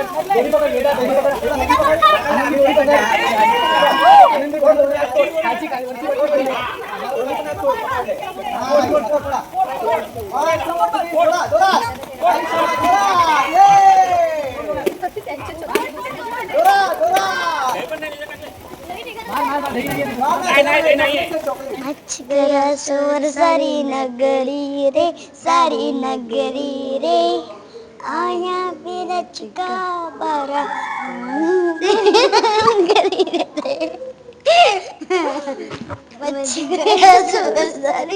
सोर सारी नगरी रे, सारी नगरी रे, आया मेरा चिका बारा नगरी रे, सोर सारी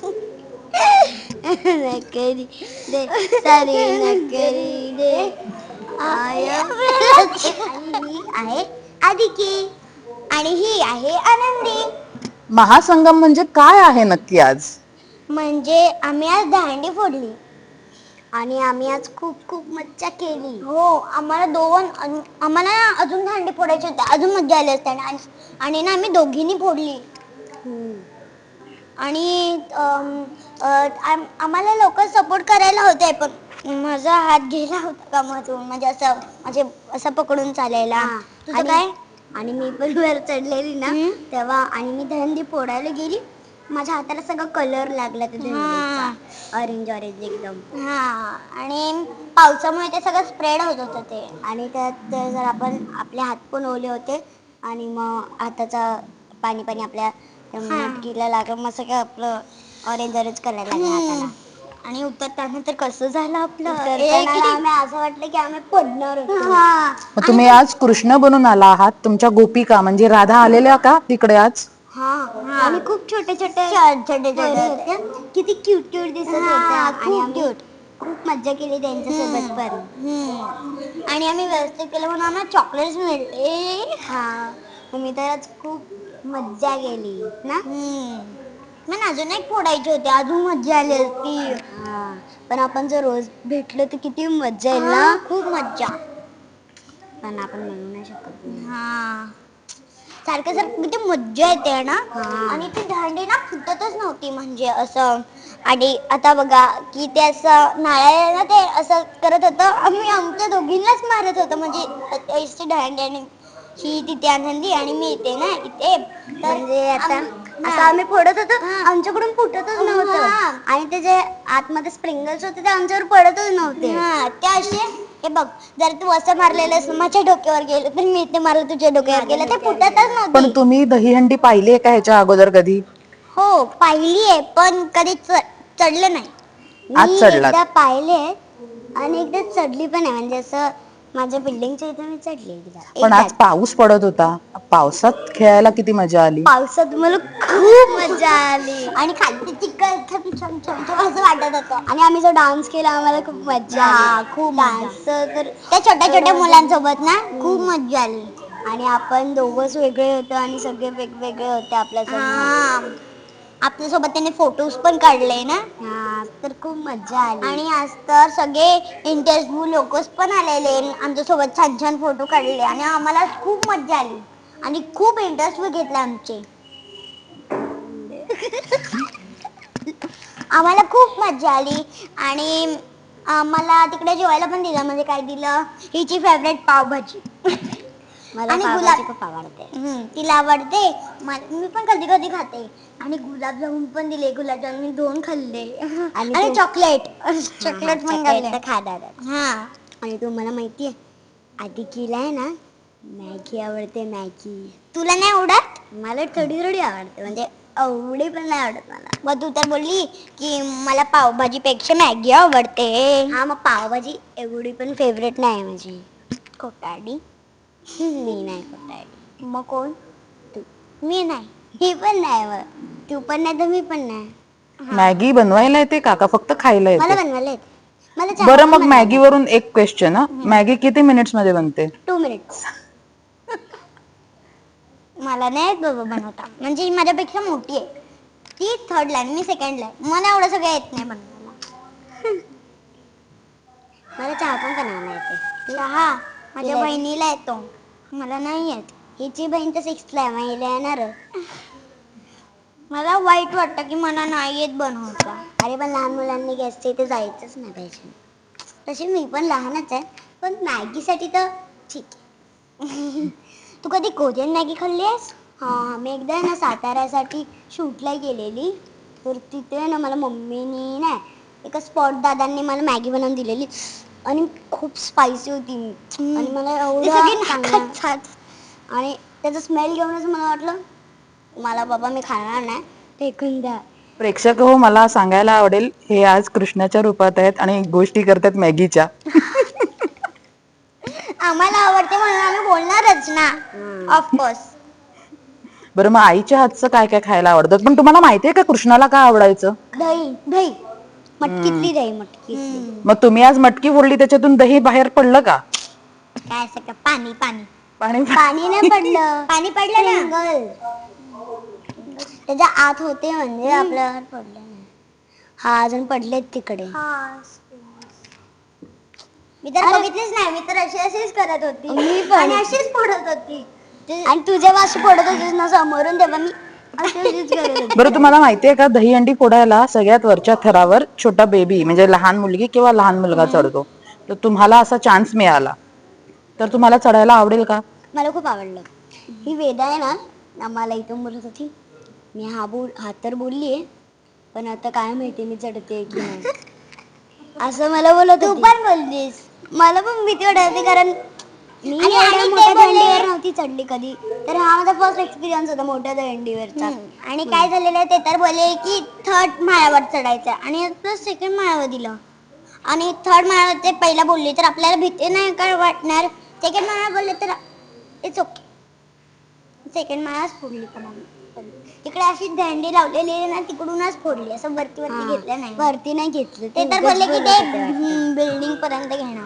नगरी रे, सारी नगरी रे, आया मेरा चिका आहे आदिकी आणि ही आहे आनंदी. महासंगम म्हणजे काय आहे नक्की आज? म्हणजे आम्ही आज दांडी फोडली आणि आम्ही आज खूप खूप मज्जा केली. हो, आम्हाला अजून दांडी फोडायची होती, अजून मज्जा आली असते आणि ना आम्ही दोघींनी फोडली. आणि आम्हाला लोक सपोर्ट करायला होते, पण माझा हात गेला होता कामातून, म्हणजे असं पकडून चालायला. तुझं काय? आणि मी पण वर चढलेली ना तेव्हा, आणि मी दंडी फोडायला गेली, माझ्या हाताला सगळं कलर लागला त्या दंडीचा, ऑरेंज एकदम. आणि पावसामुळे ते सगळं स्प्रेड होत होतं ते, आणि त्यात जर आपले हात पण ओले होते आणि मग हाताचा पाणी आपल्या मटकीला लागलं, मग सगळं आपलं ऑरेंज करायला लागलं हाताला. आणि उतरताना तर कसं झालं आपलं, आम्ही असं वाटलं की आम्ही पडणार होतो. तुम्ही आज कृष्ण बनून आला आहात, तुमच्या गोपिका म्हणजे राधा आलेल्या का तिकडे आज? आणि खूप छोटे होते, किती क्यूट दिसत होत्या, आणि आम्ही खूप मज्जा केली त्यांच्यासोबत पण. आणि आम्ही व्यवस्थित केलं म्हणून आम्हाला चॉकलेट्स मिळते. मी तर आज खूप मज्जा केली ना. मला अजून एक फोडायची होती, अजून मज्जा आली असती. पण आपण जर रोज भेटलो तर किती मज्जा येईल ना. खूप मज्जा, पण आपण म्हणू नाही शकत. सारखं किती मज्जा येते ना. आणि ती दांडी ना फुटतच नव्हती, म्हणजे असं. आणि आता बघा की ते असं नाळ्याला ते असं करत होतं, आम्ही आमच्या दोघींनाच मारत होतो, म्हणजे दांडी, आणि ही तिथे आनंदी आणि मी इथे ना इथे. म्हणजे आता आम्ही फोडत होतो, आमच्याकडून फुटतच नव्हतं, आणि ते जे आतमध्ये स्प्रिंगल्स होते ते आमच्यावर पडतच नव्हते. ते असे, हे बघ, जर तू असं मारलेलं माझ्या डोक्यावर गेलं, तर मी इथे मारलं तुझ्या डोक्यावर गेलं, ते फुटतच नव्हती. पण तुम्ही दहीहंडी पाहिली आहे का ह्याच्या अगोदर कधी? हो, पाहिली आहे, पण कधी चढलं नाही. आज मी चढलात? एकदा पाहिले आणि एकदा चढली पण आहे, म्हणजे असं माझ्या बिल्डिंगच्या इथे मी चढली. पण आज पाऊस पडत होता, पावसात खेळायला किती मजा आली. पावसात मला खूप मजा आली, आणि खाली चिखल छम असं वाटत होतं, आणि आम्ही जो डान्स केला आम्हाला खूप मजा आली. खूप डान्स तर त्या छोट्या मुलांसोबत ना खूप मजा आली. आणि आपण दोघंच वेगळे होतो आणि सगळे वेगवेगळे होते आपल्यासोबत. आपल्यासोबत त्यांनी फोटोज पण काढले ना. तर खूप मजा आली. आणि आज तर सगळे इंटरव्ह्यू लोकच पण आलेले, आमच्यासोबत छान छान फोटो काढले, आणि आम्हाला खूप मजा आली, आणि खूप इंटरव्ह्यू घेतले आमचे. आम्हाला खूप मजा आली. आणि मला तिकडे जेवायला पण दिलं, म्हणजे काय दिलं, हिची फेवरेट पावभाजी. मला पावभाजी खूप आवडते. तिला आवडते, मी पण कधी कधी खाते. आणि गुलाबजामुन पण दिले, गुलाबजामुन मी 2 खाल्ले, आणि चॉकलेट पण खाल्ले. आणि तुम्हाला माहितीये, आदिकीला आहे ना मॅगी आवडते, मॅगी. तुला नाही आवडत? मला थोडी आवडते, म्हणजे एवढी पण नाही आवडत मला. मग तू तर बोलली की मला पावभाजी पेक्षा मॅगी आवडते. मग पावभाजी एवढी पण फेवरेट नाही माझी. खोटारडी. मी नाही खोटारडी. मग कोण? तू. मी नाही, ही पण नाही, मग तू पण नाही तर मी पण नाही. मॅगी बनवायला येते का फक्त खायला येते? मला बनवायला येते. बरं, मग मॅगी वरून एक क्वेश्चन. मॅगी किती मिनिट्स मध्ये बनते? 2 मिनिट्स. मला नाही येत बाबा बनवता, म्हणजे माझ्यापेक्षा मोठी आहे ती, 3rd ला आहे, मी 2nd ला आहे. मला एवढं सगळं येत नाही बनवायला. मला चहा पण बनवायला येते. चहा माझ्या बहिणीला येतो, मला नाही येत. हिची बहीण तर 6th ला आहे, मला येणार. मला वाईट वाटतं की मला नाही येत बनवता. अरे पण लहान मुलांनी गॅसच्या इथे जायचंच नाही पाहिजे. तशी मी पण लहानच आहे, पण मॅगीसाठी तर ठीक आहे. तू कधी कोरियन मॅगी खाल्ली आहेस? हा, मी एकदा ना साताऱ्यासाठी शूटला गेलेली, तर तिथे ना मला मम्मीनी ना एका स्पॉट दादांनी मला मॅगी बनवून दिलेली आणि खूप स्पायसी होती आणि मला एवढं आणि त्याचा स्मेल घेऊनच मला वाटलं मला बाबा मी खाणार नाही, फेकून द्या. प्रेक्षक हो, मला सांगायला आवडेल हे आज कृष्णाच्या रूपात आहेत आणि गोष्टी करतात मॅगीच्या. आम्हाला आवडते म्हणून आम्ही बोलणारच ना, ऑफकोर्स. बरं, मग आईच्या हातचं काय काय खायला आवडतं? पण तुम्हाला माहितीये का कृष्णाला काय आवडायचं? दही दही मटकीतली दही, मटकीतली. मग तुम्ही आज मटकी फोडली, त्याच्यातून दही बाहेर पडलं का? काय असं का? पाणी पाणी पाणी पाणी नाही पडलं. पाणी पडलं ना, त्याच्या आत होते म्हणजे आपल्यावर पडलं नाही. हा, अजून पडलेत तिकडे. मी तर बघितलीच नाही, मी तर अशीच करत होती आणि अशीच फोडत होती. आणि तू जेव्हा अशी फोडत होतीस ना समोरून, तेव्हा मी अशीच करत होती. बरं, तुम्हाला माहितीये का दहीहंडी फोडायला सगळ्यात वरच्या थरावर छोटा बेबी म्हणजे लहान मुलगी किंवा लहान मुलगा चढतो. तर तुम्हाला असा चान्स मिळाला तर तुम्हाला चढायला आवडेल का? मला खूप आवडलं. ही वेदा आहे ना, आम्हाला इथून बोलत होती, मी हा तर बोललीये, पण आता काय माहिती मी चढते की नाही, असं मला बोलत होती. तू पण बोललीस. मला पण भीती वाटते, कारण मी एवढ्या मोठ्या दंडीवर नव्हती चढली कधी, तर हा माझा फर्स्ट एक्सपिरियन्स होता मोठ्या दंडीवरचा. आणि काय झालेलं आहे ते तर बोलले की 3rd माळ्यावर चढायचं आणि प्लस 2nd माळ्यावर दिलं. आणि 3rd माळ्यावर ते पहिला बोलले तर आपल्याला भीती नाही काय वाटणार, 2nd माळ्यावर बोलले तर इट्स ओके. 2nd माळाच फोडली पण आम्ही. तिकडे अशी दंडी लावलेली आहे ना, तिकडूनच फोडली, असं वरती घेतलं नाही. वरती नाही घेतलं, ते तर बोलले की ते बिल्डिंग पर्यंत घेणार.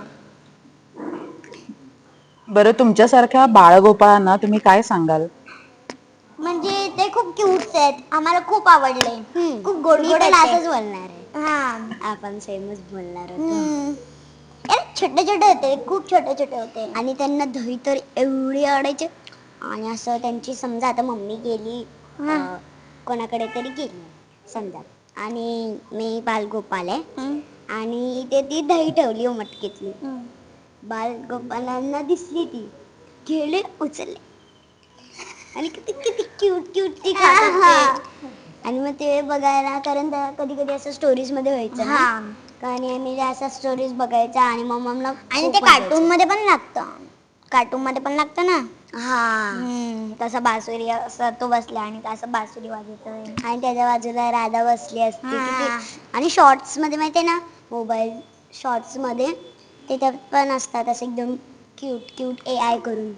बरं, तुमच्यासारख्या बाळगोपाळांना तुम्ही काय सांगाल? म्हणजे ते खूप क्यूट आहेत, आम्हाला खूप आवडले. खूप गोड गोड असंच बोलणार आहे. हा, आपण सेमच बोलणार होतो. छोटे छोटे होते, खूप छोटे छोटे होते आणि त्यांना दही तर एवढी आवडायचे. आणि असं त्यांची समजा आता मम्मी गेली कोणाकडे तरी गेली समजा, आणि मी बालगोपाल आहे आणि इथे ती दही ठेवली मटकीतली. बालगोपालांना दिसली, ती गेले उचलले आणि किती किती क्यूट क्यूट ती खात होते. आणि मग ते बघायला, कारण कधी कधी असं स्टोरीज मध्ये व्हायचं ना, आणि आम्ही असं स्टोरीज बघायचा आणि मग मला आणि ते कार्टून मध्ये पण लागतं ना. हा, तसा बासुरी असं तो बसला आणि असं बासुरी वाजवतोय आणि त्याच्या बाजूला राधा बसली असते. आणि शॉर्ट्स मध्ये माहितीये ना, मोबाईल शॉर्ट्स मध्ये त्याच्यात पण असतात असं एकदम क्यूट क्यूट AI करून.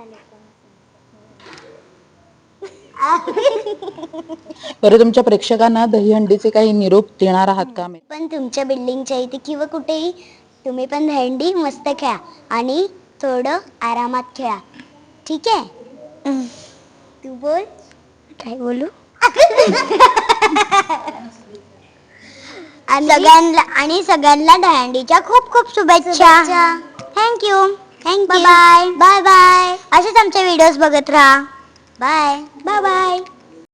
बरं, तुमच्या प्रेक्षकांना दहीहंडीचे काही निरोप देणार आहात का? पण तुमच्या बिल्डिंगच्या इथे किंवा कुठेही तुम्ही पण दहीहंडी मस्त खेळा आणि थोडं आरामात खेळा, ठीक आहे? तू बोल. काय बोलू? आणि सगळ्यांना दहीहंडीच्या खूप खूप शुभेच्छा. Thank you. Bye bye. Bye bye. असेच आमचे व्हिडिओज बघत राहा. Bye bye bye.